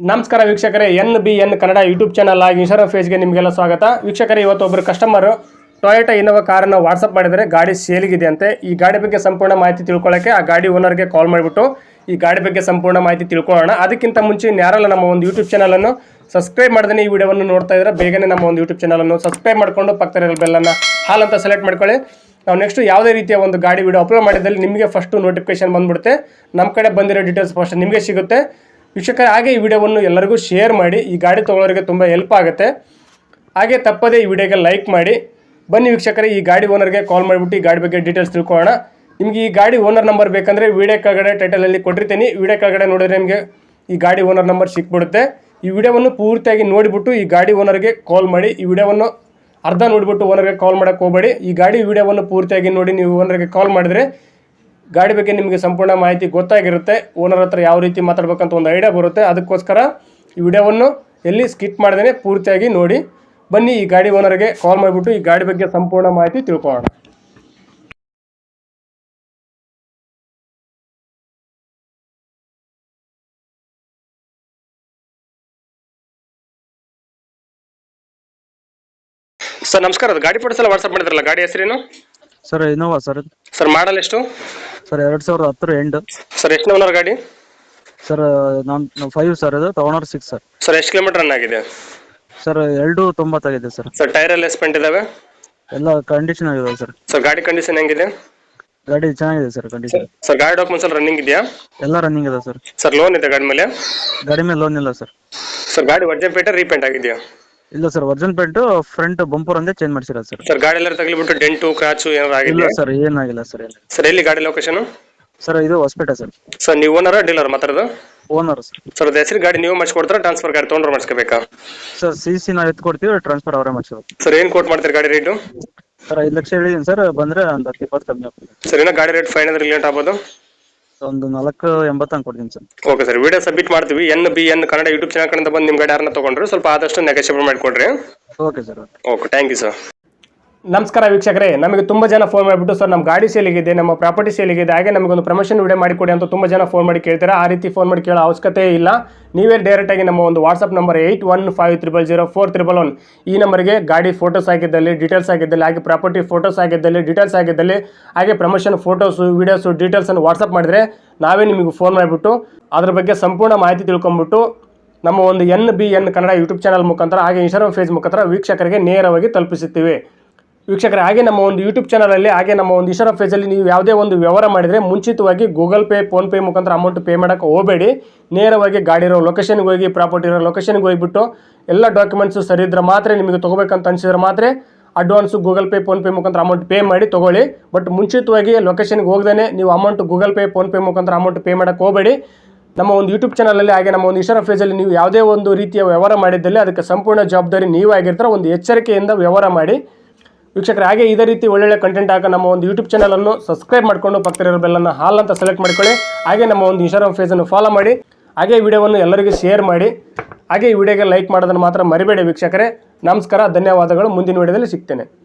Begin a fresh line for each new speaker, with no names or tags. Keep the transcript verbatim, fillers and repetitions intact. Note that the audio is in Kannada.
ನಮಸ್ಕಾರ ವೀಕ್ಷಕರೇ, N B N Kannada YouTube channel ಆಗಿ ಇನ್ಸ್ಟಾಗ್ರಾಮ್ ಪೇಜ್ಗೆ ನಿಮಗೆಲ್ಲ ಸ್ವಾಗತ. ವೀಕ್ಷಕರೇ, ಇವತ್ತು ಒಬ್ಬರು ಕಸ್ಟಮರು ಟೊಯೋಟಾ ಇನೋವಾ ಕಾರನ್ನು ವಾಟ್ಸಪ್ ಮಾಡಿದರೆ ಗಾಡಿ ಸೇಲಿಗಿದೆ ಅಂತೆ. ಈ ಗಾಡಿ ಬಗ್ಗೆ ಸಂಪೂರ್ಣ ಮಾಹಿತಿ ತಿಳ್ಕೊಳ್ಳೋಕ್ಕೆ ಆ ಗಾಡಿ ಓನರ್ಗೆ ಕಾಲ್ ಮಾಡಿಬಿಟ್ಟು ಈ ಗಾಡಿ ಬಗ್ಗೆ ಸಂಪೂರ್ಣ ಮಾಹಿತಿ ತಿಳ್ಕೊಳ್ಳೋಣ. ಅದಕ್ಕಿಂತ ಮುಂಚೆ ಯಾರಲ್ಲ ನಮ್ಮ ಒಂದು ಯೂಟ್ಯೂಬ್ ಚಾನಲನ್ನು ಸಬ್ಸ್ಕ್ರೈಬ್ ಮಾಡ್ದೇ ಈ ವಿಡಿಯೋವನ್ನು ನೋಡ್ತಾ ಇದ್ರೆ ಬೇಗನೆ ನಮ್ಮ ಒಂದು ಯೂಟ್ಯೂಬ್ ಚಾನಲನ್ನು ಸಬ್ಸ್ಕ್ರೈಬ್ ಮಾಡಿಕೊಂಡು ಪಕ್ಕದ ಬೆಲ್ಲನ್ನು ಹಾಲ್ ಅಂತ ಸೆಲೆಕ್ಟ್ ಮಾಡ್ಕೊಳ್ಳಿ. ನಾವು ನೆಕ್ಸ್ಟ್ ಯಾವುದೇ ರೀತಿಯ ಒಂದು ಗಾಡಿ ವಿಡಿಯೋ ಅಪ್ಲೋಡ್ ಮಾಡಿದಲ್ಲಿ ನಿಮಗೆ ಫಸ್ಟು ನೋಟಿಫಿಕೇಶನ್ ಬಂದ್ಬಿಡುತ್ತೆ. ನಮ್ಮ ಕಡೆ ಬಂದಿರೋ ಡೀಟೇಲ್ಸ್ ಫಸ್ಟ್ ನಿಮಗೆ ಸಿಗುತ್ತೆ. ವೀಕ್ಷಕರೇ, ಹಾಗೆ ಈ ವಿಡಿಯೋವನ್ನು ಎಲ್ಲರಿಗೂ ಶೇರ್ ಮಾಡಿ. ಈ ಗಾಡಿ ತೊಗೊಳ್ಳೋರಿಗೆ ತುಂಬ ಹೆಲ್ಪ್ ಆಗುತ್ತೆ. ಹಾಗೆ ತಪ್ಪದೇ ಈ ವಿಡಿಯೋಗೆ ಲೈಕ್ ಮಾಡಿ. ಬನ್ನಿ ವೀಕ್ಷಕರೇ, ಈ ಗಾಡಿ ಓನರ್ಗೆ ಕಾಲ್ ಮಾಡಿಬಿಟ್ಟು ಈ ಗಾಡಿ ಬಗ್ಗೆ ಡೀಟೇಲ್ಸ್ ತಿಳ್ಕೊಳ್ಳೋಣ. ನಿಮಗೆ ಈ ಗಾಡಿ ಓನರ್ ನಂಬರ್ ಬೇಕಂದರೆ ವಿಡಿಯೋ ಕೆಳಗಡೆ ಟೈಟಲಲ್ಲಿ ಕೊಟ್ಟಿರ್ತೀನಿ. ವಿಡಿಯೋ ಕೆಳಗಡೆ ನೋಡಿದ್ರೆ ನಿಮಗೆ ಈ ಗಾಡಿ ಓನರ್ ನಂಬರ್ ಸಿಕ್ಬಿಡುತ್ತೆ. ಈ ವಿಡಿಯೋವನ್ನು ಪೂರ್ತಿಯಾಗಿ ನೋಡಿಬಿಟ್ಟು ಈ ಗಾಡಿ ಓನರ್ಗೆ ಕಾಲ್ ಮಾಡಿ. ಈ ವಿಡಿಯೋವನ್ನು ಅರ್ಧ ನೋಡಿಬಿಟ್ಟು ಓನರ್ಗೆ ಕಾಲ್ ಮಾಡೋಕ್ಕೆ ಹೋಗಬೇಡಿ. ಈ ಗಾಡಿ ವಿಡಿಯೋವನ್ನು ಪೂರ್ತಿಯಾಗಿ ನೋಡಿ ನೀವು ಓನರ್ಗೆ ಕಾಲ್ ಮಾಡಿದರೆ ಗಾಡಿ ಬಗ್ಗೆ ನಿಮಗೆ ಸಂಪೂರ್ಣ ಮಾಹಿತಿ ಗೊತ್ತಾಗಿರುತ್ತೆ. ಓನರ್ ಹತ್ರ ಯಾವ ರೀತಿ ಮಾತಾಡ್ಬೇಕಂತ ಒಂದು ಐಡಿಯಾ ಬರುತ್ತೆ. ಅದಕ್ಕೋಸ್ಕರ ಈ ವಿಡಿಯೋವನ್ನು ಎಲ್ಲಿ ಸ್ಕಿಪ್ ಮಾಡ್ದೇ ಪೂರ್ತಿಯಾಗಿ ನೋಡಿ. ಬನ್ನಿ ಈ ಗಾಡಿ ಓನರ್ಗೆ ಕಾಲ್ ಮಾಡಿಬಿಟ್ಟು ಈ ಗಾಡಿ ಬಗ್ಗೆ ಸಂಪೂರ್ಣ ಮಾಹಿತಿ ತಿಳ್ಕೊಳ್ಳೋಣ. ಸರ್ ನಮಸ್ಕಾರ, ಅದು ಗಾಡಿ ಫೋಟೋಸ್ ಎಲ್ಲ ವಾಟ್ಸಪ್ ಮಾಡಿದ್ರಲ್ಲ, ಗಾಡಿ ಹೆಸರೇನು
sir? Innova sir.
Sir model ಎಷ್ಟು?
ಸರ್ ಎರಡ್ ಸಾವಿರದ ಹತ್ತರ ಎಂಡ್.
ಸರ್ ಎಷ್ಟು ಓನರ್ ಗಾಡಿ?
ಸರ್ ನಾನು ಫೈವ್ ಸರ್, ಇದು ಓನರ್ ಸಿಕ್ಸ್ ಸರ್.
ಸರ್ ಎಷ್ಟು ಕಿಲೋಮೀಟರ್ ರನ್ ಆಗಿದೆ?
ಸರ್ ಎರಡು ತೊಂಬತ್ತಾಗಿದೆ ಸರ್.
ಸರ್ ಟೈರ್ ಎಲ್ಲ ಎಸ್ಪೆಂಟ್ ಇದಾವೆ?
ಎಲ್ಲ ಕಂಡೀಷನ್ ಆಗಿದೆ ಸರ್.
ಸರ್ ಗಾಡಿ ಕಂಡೀಷನ್ ಹೆಂಗಿದೆ?
ಗಾಡಿ ಚೆನ್ನಾಗಿದೆ ಸರ್ ಕಂಡೀಷನ್.
ಸರ್ ಗಾಡಿ ಡಾಕ್ಯುಮೆಂಟ್ಸ್ ಎಲ್ಲ ರನ್ನಿಂಗ್ ಇದೆಯಾ?
ಎಲ್ಲ ರನ್ನಿಂಗ್ ಇದೆ ಸರ್.
ಸರ್ ಲೋನ್ ಇದೆ ಗಾಡಿ ಮೇಲೆ?
ಗಾಡಿ ಮೇಲೆ ಲೋನ್ ಇಲ್ಲ ಸರ್.
ಸರ್ ಗಾಡಿ ವರ್ಜನ್ ಪೇಟೆ ರೀಪೇಂಟ್ ಆಗಿದೆಯಾ?
ಇಲ್ಲ sir, virgin paint front bumper ಒಂದೇ ಚೇಂಜ್ ಮಾಡಿಸಿರೋದು ಸರ್.
ಸರ್ ಗಾಡಿ ಎಲ್ಲ ತಗಲಿಬಿಟ್ಟು ಡೆಂಟು ಕ್ರಾಚು ಏನಾರು
ಇಲ್ಲ
ಆಗಿದೆಯಾ?
ಸರ್, ಏನಾಗಿಲ್ಲ ಸರ್. ಏನು
ಸರ್ ಎಲ್ಲಿ ಗಾಡಿ ಲೊಕೇಶನ್?
ಸರ್ ಇದು ಹೊಸಪೇಟೆ ಸರ್.
ಸರ್ ನೀವು ಓನರ್ ಡೀಲರ್ ಮಾತಾಡೋದು?
Owner sir.
ಸರ್ ಅದು ಹೆಸರು ಗಾಡಿ ನೀವು ಮಾಡಿಸ್ಕೊಡ್ತಾರಾ ಟ್ರಾನ್ಸ್ಫರ್ ಗಾಡಿ ತೊಗೊಂಡ್ರೆ ಮಾಡಿಸ್ಕೋಬೇಕಾ?
ಸರ್ ಸಿ ಸಿ ನಾವು ಎತ್ತು ಕೊಡ್ತೀವಿ, ಟ್ರಾನ್ಸ್ಫರ್ ಅವರೇ ಮಾಡಿಸೋದು.
ಸರ್ ಏನು ಕೋಟ್ ಮಾಡ್ತೀರಿ ಗಾಡಿ ರೇಟು?
ಸರ್ ಐದು ಲಕ್ಷ ಹೇಳಿದ್ದೀನಿ ಸರ್, ಬಂದರೆ ಒಂದು ಹತ್ತು ಇಪ್ಪತ್ತು ಕಮ್ಮಿ ಆಗ್ತದೆ.
ಸರ್ ಏನೋ ಗಾಡಿ ರೇಟ್ ಫೈವ್ ಹಂಡ್ರೆಡ್ ರಿಲೇಟ್ ಆಗ್ಬೋದು?
ಒಂದು ನಾಲ್ಕು ಎಂಬತ್ತು ಹಂಗೆ ಕೊಡ್ತೀನಿ sir.
Okay sir, video submit ಮಾಡ್ತೀವಿ. N B N Kannada YouTube channel ಕಡೆಯಿಂದ ಬಂದು ನಿಮ್ಮ ಗಾಡಿ ಯಾರನ್ನ ತೊಗೊಂಡ್ರೆ ಸ್ವಲ್ಪ ಆದಷ್ಟು ನೆಗೋಷಿಯೇಟ್ ಮಾಡಿಕೊಡ್ರಿ.
Okay sir.
Okay, thank you sir. ನಮಸ್ಕಾರ ವೀಕ್ಷಕರೇ, ನಮಗೆ ತುಂಬ ಜನ ಫೋನ್ ಮಾಡಿಬಿಟ್ಟು ಸರ್ ನಮ್ಮ ಗಾಡಿ ಸೇಲಿಗಿದೆ, ನಮ್ಮ ಪ್ರಾಪರ್ಟಿ ಸೇಲಿಗಿದೆ, ಹಾಗೆ ನಮಗೊಂದು ಪ್ರಮೋಷನ್ ವಿಡಿಯೋ ಮಾಡಿಕೊಡಿ ಅಂತ ತುಂಬ ಜನ ಫೋನ್ ಮಾಡಿ ಕೇಳ್ತಾರೆ. ಆ ರೀತಿ ಫೋನ್ ಮಾಡಿ ಕೇಳೋ ಅವಶ್ಯಕತೆ ಇಲ್ಲ. ನೀವೇ ಡೈರೆಕ್ಟಾಗಿ ನಮ್ಮ ಒಂದು WhatsApp number eight one five triple zero four triple one ಈ ನಂಬರ್ಗೆ ಗಾಡಿ ಫೋಟೋಸ್ ಆಗಿದ್ದಲ್ಲಿ, ಡೀಟೇಲ್ಸ್ ಆಗಿದ್ದಲ್ಲಿ, ಹಾಗೆ ಪ್ರಾಪರ್ಟಿ ಫೋಟೋಸ್ ಆಗಿದ್ದಲ್ಲಿ, ಡೀಟೇಲ್ಸ್ ಆಗಿದ್ದಲ್ಲಿ, ಹಾಗೆ ಪ್ರಮೋಷನ್ ಫೋಟೋಸು ವೀಡಿಯೋಸು ಡೀಟೇಲ್ಸನ್ನು ವಾಟ್ಸಪ್ ಮಾಡಿದರೆ ನಾವೇ ನಿಮಗೆ ಫೋನ್ ಮಾಡಿಬಿಟ್ಟು ಅದ್ರ ಬಗ್ಗೆ ಸಂಪೂರ್ಣ ಮಾಹಿತಿ ತಿಳ್ಕೊಂಬಿಟ್ಟು ನಮ್ಮ ಒಂದು N B N Kannada YouTube channel ಮುಖಾಂತರ ಹಾಗೆ ಇನ್ಸ್ಟಾಗ್ರಾಮ್ ಫೇಸ್ ಮುಖಾಂತರ ವೀಕ್ಷಕರಿಗೆ ನೇರವಾಗಿ ತಲುಪಿಸುತ್ತೀವಿ. ವೀಕ್ಷಕರೇ, ಹಾಗೆ ನಮ್ಮ ಒಂದು ಯೂಟ್ಯೂಬ್ ಚಾನಲಲ್ಲಿ ಹಾಗೆ ನಮ್ಮ ಒಂದು ಇನ್ಸ್ಟಾಗ್ರಾಮ್ ಪೇಜಲ್ಲಿ ನೀವು ಯಾವುದೇ ಒಂದು ವ್ಯವಹಾರ ಮಾಡಿದರೆ ಮುಂಚಿತವಾಗಿ ಗೂಗಲ್ ಪೇ, ಫೋನ್ಪೇ ಮುಖಾಂತರ ಅಮೌಂಟ್ ಪೇ ಮಾಡೋಕ್ಕೆ ಹೋಗಬೇಡಿ. ನೇರವಾಗಿ ಗಾಡಿ ಇರೋ ಲೊಕೇಶನ್ಗೆ ಹೋಗಿ, ಪ್ರಾಪರ್ಟಿ ಇರೋ ಲೊಕೇಶನ್ಗೆ ಹೋಗಿಬಿಟ್ಟು ಎಲ್ಲ ಡಾಕ್ಯುಮೆಂಟ್ಸು ಸರಿ ಇದ್ರೆ ಮಾತ್ರ ನಿಮಗೆ ತೊಗೋಬೇಕಂತ ಅನಿಸಿದ್ರೆ ಮಾತ್ರ ಅಡ್ವಾನ್ಸು ಗೂಗಲ್ ಪೇ, ಫೋನ್ಪೇ ಮುಖಾಂತರ ಅಮೌಂಟ್ ಪೇ ಮಾಡಿ ತೊಗೊಳ್ಳಿ. ಬಟ್ ಮುಂಚಿತವಾಗಿ ಲೊಕೇಶನ್ಗೆ ಹೋಗದೇ ನೀವು ಅಮೌಂಟ್ ಗೂಗಲ್ ಪೇ, ಫೋನ್ಪೇ ಮುಖಾಂತರ ಅಮೌಂಟ್ ಪೇ ಮಾಡೋಕ್ಕೆ ಹೋಗಬೇಡಿ. ನಮ್ಮ ಒಂದು ಯೂಟ್ಯೂಬ್ ಚಾನಲಲ್ಲಿ ಹಾಗೆ ನಮ್ಮ ಒಂದು ಇನ್ಸ್ಟಾಗ್ರಾಮ್ ಪೇಜಲ್ಲಿ ನೀವು ಯಾವುದೇ ಒಂದು ರೀತಿಯ ವ್ಯವಹಾರ ಮಾಡಿದ್ದಲ್ಲಿ ಅದಕ್ಕೆ ಸಂಪೂರ್ಣ ಜವಾಬ್ದಾರಿ ನೀವು ಆಗಿರ್ತಾರೆ. ಒಂದು ಎಚ್ಚರಿಕೆಯಿಂದ ವ್ಯವಹಾರ ಮಾಡಿ. ವೀಕ್ಷಕರೇ, ಹಾಗೆ ಇದೇ ರೀತಿ ಒಳ್ಳೊಳ್ಳೆ ಕಂಟೆಂಟ್ ಆಗ ನಮ್ಮ ಒಂದು ಯೂಟ್ಯೂಬ್ ಚಾನಲನ್ನು ಸಬ್ಸ್ಕ್ರೈಬ್ ಮಾಡಿಕೊಂಡು ಪಕ್ಕದಲ್ಲಿರೋ ಬೆಲ್ಲನ್ನು ಹಾಲ್ ಅಂತ ಸೆಲೆಕ್ಟ್ ಮಾಡ್ಕೊಳ್ಳಿ. ಹಾಗೆ ನಮ್ಮ ಒಂದು ಇನ್ಸ್ಟಾಗ್ರಾಮ್ ಪೇಜನ್ನು ಫಾಲೋ ಮಾಡಿ. ಹಾಗೆ ಈ ವಿಡಿಯೋವನ್ನು ಎಲ್ಲರಿಗೂ ಶೇರ್ ಮಾಡಿ. ಹಾಗೆ ಈ ವಿಡಿಯೋಗೆ ಲೈಕ್ ಮಾಡೋದನ್ನು ಮಾತ್ರ ಮರಿಬೇಡಿ ವೀಕ್ಷಕರೇ. ನಮಸ್ಕಾರ, ಧನ್ಯವಾದಗಳು. ಮುಂದಿನ ವಿಡಿಯೋದಲ್ಲಿ ಸಿಗ್ತೇನೆ.